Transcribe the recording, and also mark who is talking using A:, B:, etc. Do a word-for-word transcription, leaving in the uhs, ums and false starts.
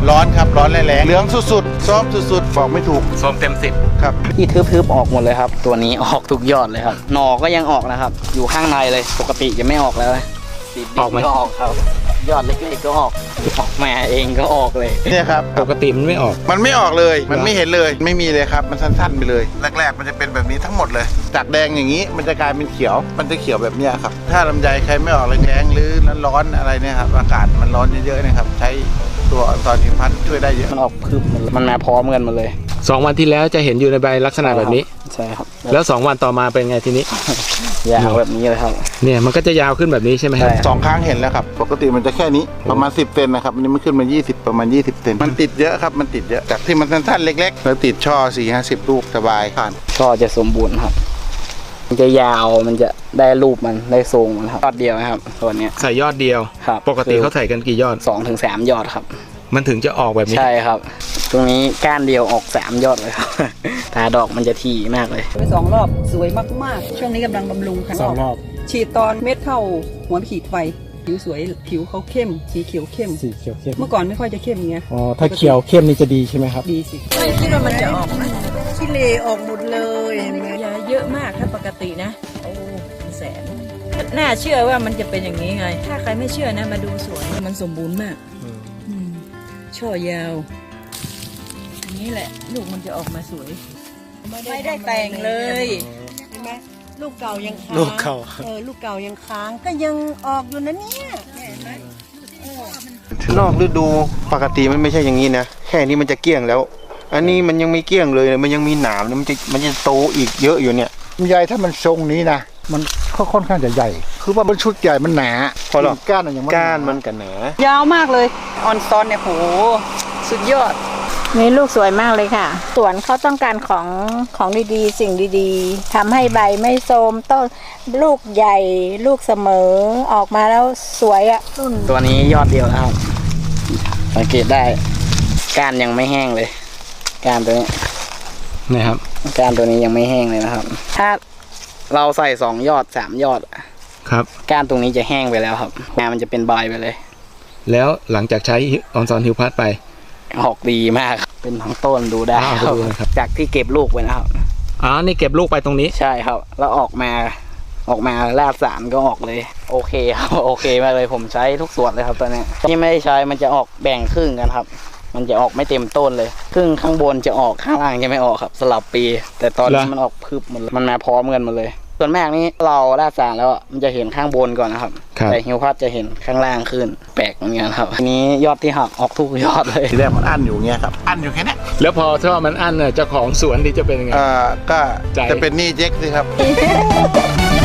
A: ร้อนครับร้อนแรงๆเหลืองสุดๆซอฟสุดๆบอกไม่ถูก
B: ส้มเต็มสิบ
A: ครับ
C: ที่ทึบๆออกหมดเลยครับตัวนี้ออกทุกยอดเลยครับหน่อก็ยังออกนะครับอยู่ข้างในเลยปกติจะไม่ออกแล้วติดดินก็ออกครับยอดเล็กๆก็ออกออกมาเองก็ออกเลย
A: เนี่ยครับ
B: ปกติมันไม่ออก
A: มันไม่ออกเลยมันไม่เห็นเลยไม่มีเลยครับมันสั้นๆไปเลยแรกๆมันจะเป็นแบบนี้ทั้งหมดเลยจากแดงอย่างนี้มันจะกลายเป็นเขียวมันจะเขียวแบบเนี้ยครับถ้าลำไยใครไม่ออกแรงๆหรือร้อนๆอะไรเนี่ยครับอากาศมันร้อนเยอะๆนะครับใช้ตัวออนซอนฮิวพัทช่วยได้เยอะ
C: มันออกพึบมันมาพร้อมกันมาเลย
B: สองวันที่แล้วจะเห็นอยู่ในใบลักษณะแบบนี้
C: ใช่ครับ
B: แล้วสองวันต่อมาเป็นไงทีนี้
C: ยาวแบบนี้เลยครับ
B: เนี่ยมันก็จะยาวขึ้นแบบนี้ใช่ไหมครับ
A: สองครั้งเห็นแล้วครับปกติมันจะแค่นี้ประมาณสิบเซนนะครับอันนี้มันขึ้นมายี่สิบประมาณยี่สิบเซนมันติดเยอะครับมันติดเยอะจากที่มันสั้นๆเล็กๆแล้วติดช่อสี่ห้าสิบลูกสบายผ่าน
C: ช่อจะสมบูรณ์ครับมันจะยาวมันจะได้รูปมันได้ทรงมันครับยอดเดียวนะครับตัวนี้
B: ใส่ยอดเดียว
C: ครับ
B: ปกติเขาใส่กันกี่ยอด
C: สองถึงสามยอดครับ
B: มันถึงจะออกแบบนี้
C: ใช่ครับตรงนี้ก้านเดียวออกสามยอดเลยครับตาดอกมันจะถี่มากเลย
D: ไปสองรอบสวยมากๆช่วงนี้กำลังบำรุงค่ะ
B: สองรอบ
D: ฉีดตอนเม็ดเท่าหัวขีดไฟผิวสวยผิวเขาเข้มสีเขียวเข้ม
E: สีเขียวเข้ม
D: เมื่อก่อนไม่ค่อยจะเข้มเงี้ย
E: อ๋อถ้าเขียวเข้มนี่จะดีใช่ไหมครับ
D: ดีสิไม่คิดว่ามันจะออกนะขี้เลออกหมดเลยเห็นไหมยาเยอะมากถ้าปกตินะโอ้แสนน่าเชื่อว่ามันจะเป็นอย่างนี้ไงถ้าใครไม่เชื่อนะมาดูสวยมันสมบูรณ์มากช่อยาวอันนี้แหละลูกมันจะออกมาสวยไม่ได้แต่งเลยเห็นไหมลูกเก่ายังค้าง
E: ลูกเก่า
D: เออลูกเก่ายังค้างก็ยังออกอยู่นะเนี่ยเห็นไหม
F: นอกฤดูปกติมันไม่ใช่อย่างนี้นะแค่นี้มันจะเกลี้ยงแล้วอันนี้มันยังไม่เกลี้ยงเลยมันยังมีหนามมันจะมันจะโตอีกเยอะอยู่เนี่ย
E: ลำไยถ้ามันทรงนี้นะมันค่อนข้างจะใหญ่คือว่ามันชุดใหญ่มันหนา
F: พอหรอ
E: ก้านอย่าง
F: ก้านมันกันหนาย
D: าวมากเลยออนซอนเนี่ยโหสุดยอด
G: นี่ลูกสวยมากเลยค่ะสวนเขาต้องการของของดีๆสิ่งดีๆทำให้ใบไม่โทรมต้นลูกใหญ่ลูกเสมอออกมาแล้วสวยอ่ะรุ่น
C: ตัวนี้ยอดเดียวนะครับสังเกตได้ก้านยังไม่แห้งเลยก้านตัวนี้
B: นะครับ
C: ก้านตัวนี้ยังไม่แห้งเลยนะครับถ้าเราใส่สองยอดสามยอด
B: ครับ
C: ก้านตรงนี้จะแห้งไปแล้วครับงานมันจะเป็นใบไปเลย
B: แล้วหลังจากใช้ออนซอนฮิวพัทไป
C: ออกดีมากเป็นทั้งต้นดูได้ครับจากที่เก็บลูกไปนะครับ
B: อ๋อนี่เก็บลูกไปตรงนี้
C: ใช่ครับแล้วออกมาออกมาแรกสารก็ออกเลยโอเคครับโอเคมากเลยผมใช้ทุกส่วนเลยครับตอนนี้ที่ไม่ได้ใช้มันจะออกแบ่งครึ่งกันครับมันจะออกไม่เต็มต้นเลยครึ่งข้างบนจะออกข้างล่างจะไม่ออกครับสลับปีแต่ตอนนี้มันออกพึบหมดมันมาพร้อมกันหมดเลยส่วนมากนี้เราแรกสารแล้วมันจะเห็นข้างบนก่อนนะครับแต่ฮิวพัทจะเห็นข้างล่างขึ้นแปลกเหมือนกันครับอันนี้ยอดที่หักออกทุกยอดเลย
A: ทีแรกมันอั้นอยู่เงี้ยครับอั้นอยู่แค่นี้
B: แล้วพอถ้ามันอั้นเนี่ยเจ้าของสวนดีจะเป็นยังไง
A: อ่าก็จะเป็นหนี้เจ๊กสิครับ